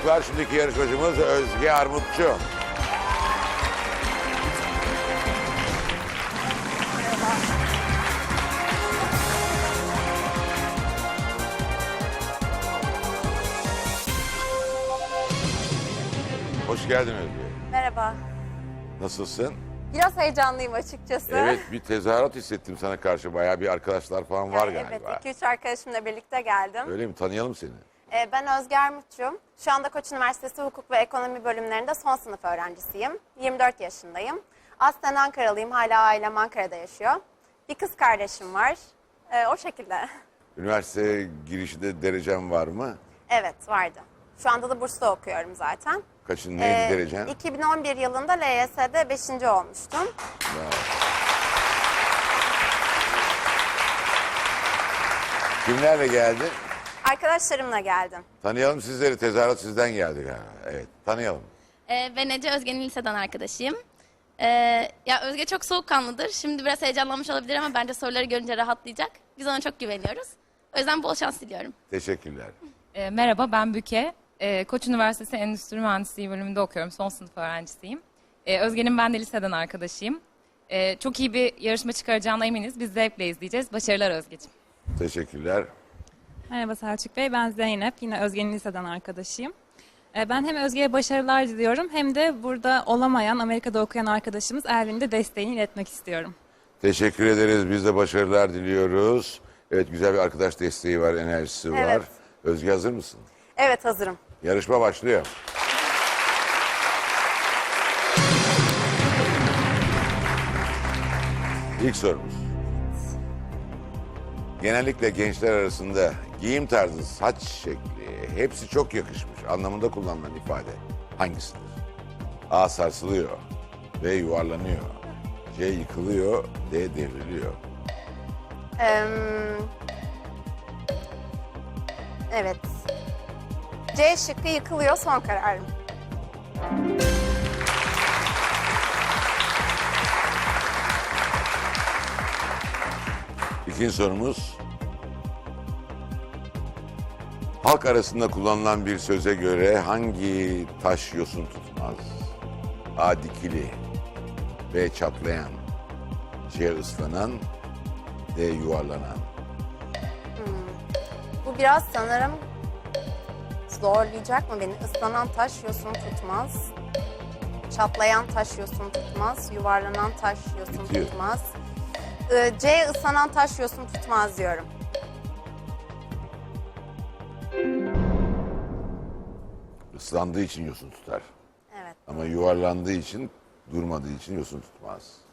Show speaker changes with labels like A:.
A: çocuklar. Şimdiki yarışmacımız Özge Armutçu. Hoş geldin Özge.
B: Merhaba.
A: Nasılsın?
B: Biraz heyecanlıyım açıkçası.
A: Evet, bir tezahürat hissettim sana karşı. Bayağı bir arkadaşlar falan var
B: Evet,
A: galiba.
B: 2-3 arkadaşımla birlikte geldim.
A: Öyle mi? Tanıyalım seni.
B: Ben Özge Armutçu. Şu anda Koç Üniversitesi Hukuk ve Ekonomi bölümlerinde son sınıf öğrencisiyim. 24 yaşındayım. Aslen Ankaralıyım. Hala ailem Ankara'da yaşıyor. Bir kız kardeşim var. O şekilde.
A: Üniversite girişinde derecen var mı?
B: Evet, vardı. Şu anda da burslu okuyorum zaten.
A: Kaçın, neydi derecen?
B: 2011 yılında LYS'de 5. olmuştum.
A: Kimlerle geldin?
B: Arkadaşlarımla geldim.
A: Tanıyalım sizleri. Tezahürat sizden geldi galiba. Evet, tanıyalım.
C: Ben Ece, Özge'nin liseden arkadaşıyım. Ya Özge çok soğukkanlıdır. Şimdi biraz heyecanlanmış olabilir ama bence soruları görünce rahatlayacak. Biz ona çok güveniyoruz. O yüzden bol şans diliyorum.
A: Teşekkürler.
D: Merhaba, ben Büke. Koç Üniversitesi Endüstri Mühendisliği bölümünde okuyorum. Son sınıf öğrencisiyim. Özge'nin ben de liseden arkadaşıyım. Çok iyi bir yarışma çıkaracağına eminiz. Biz zevkle izleyeceğiz. Başarılar Özgeciğim.
A: Teşekkürler.
E: Merhaba Selçuk Bey, ben Zeynep. Yine Özge'nin liseden arkadaşıyım. Ben hem Özge'ye başarılar diliyorum hem de burada olamayan, Amerika'da okuyan arkadaşımız Elvin'in de desteğini iletmek istiyorum.
A: Teşekkür ederiz. Biz de başarılar diliyoruz. Evet, güzel bir arkadaş desteği var, enerjisi var.
B: Evet.
A: Özge, hazır mısın?
B: Evet, hazırım.
A: Yarışma başlıyor. İlk sorumuz. Genellikle gençler arasında giyim tarzı, saç şekli hepsi çok yakışmış anlamında kullanılan ifade hangisidir? A. Sarsılıyor. B. Yuvarlanıyor. C. Yıkılıyor. D. Devriliyor.
B: Evet. C şıkkı yıkılıyor, son kararım.
A: İkinci sorumuz. Halk arasında kullanılan bir söze göre hangi taş yosun tutmaz? A. Dikili. B. Çatlayan. C. Islanan. D. Yuvarlanan.
B: Bu biraz sanırım zorlayacak mı beni? Islanan taş yosun tutmaz. Çatlayan taş yosun tutmaz. Yuvarlanan taş yosun
A: Bitiyor.
B: tutmaz. C ıslanan taş yosun tutmaz diyorum.
A: Islandığı için yosun tutar.
B: Evet.
A: Ama yuvarlandığı için, durmadığı için yosun tutmaz.